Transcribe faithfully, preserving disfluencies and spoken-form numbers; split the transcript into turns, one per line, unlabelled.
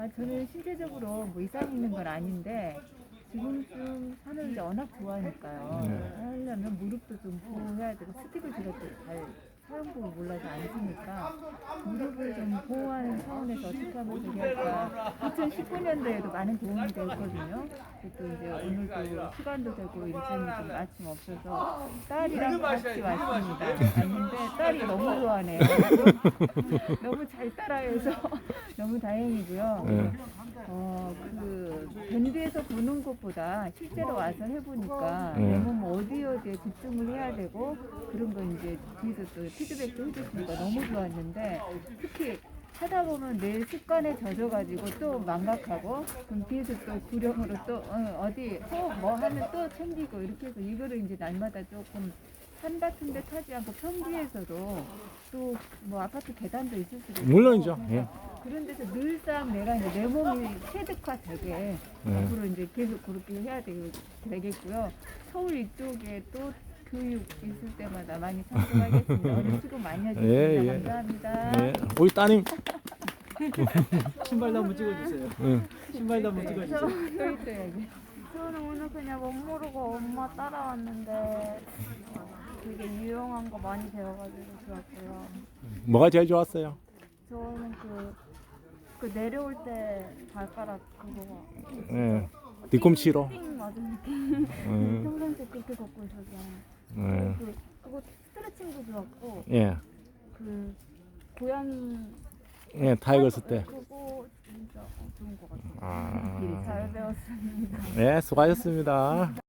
아, 저는 신체적으로 뭐 이상 있는 건 아닌데 지금쯤 산을 이제 워낙 좋아하니까요.
네.
하려면 무릎도 좀 보호해야 되고 스틱을 제가 또잘 사용법을 몰라서 안 쓰니까 무릎을 좀 보호하는 차원에서 어떻게 하면 되겠다. 이천십구 년도에도 많은 도움이 됐거든요. 또 이제 오늘도 시간도 되고 일정이 좀 마침 없어서 딸이랑 같이 왔습니다. 왔는데 딸이 너무 좋아하네요. 너무 잘 따라해서 너무 다행이고요.
네.
어, 그 밴드에서 보는 것보다 실제로 와서 해보니까
네.
내 몸 어디 어디에 집중을 해야 되고 그런 거 이제 뒤에서 또 피드백도 해주시니까 너무 좋았는데 특히 하다 보면 내 습관에 젖어가지고 또 망각하고 그럼 뒤에서 또 구령으로 또 어, 어디 또 뭐 하면 또 챙기고 이렇게 해서 이거를 이제 날마다 조금 산 같은 데 타지 않고 평지에서도 또 뭐 아파트 계단도 있을 수도 있고
물론이죠. 예.
그런 데서 늘상 내가 이제 내 몸이 체득화되게
네.
앞으로 이제 계속 그렇게 해야 되, 되겠고요. 서울 이쪽에 또 교육 있을 때마다 많이 참석하겠습니다. 오늘 수고 많이 하셨습니다.
예, 예.
감사합니다.
예. 우리 따님.
신발도 한번 찍어주세요.
예.
신발도 한번 찍어주세요.
또 있어야지.
저는 오늘 그냥 못 모르고 엄마 따라왔는데 되게 유용한 거 많이 배워가지고 좋았고요.
뭐가 제일 좋았어요?
저는 그, 그 내려올 때 발가락 그거
예. 뒤꿈치로.
띵 맞은 느낌.
음.
평상시에 그렇게 걷고 있어서
예.
그, 그거 스트레칭도 좋았고
예.
그 고양이
예. 타이거 쓸 때.
그거 진짜 좋은 것 같아요.
아.
잘 배웠습니다.
네, 수고하셨습니다.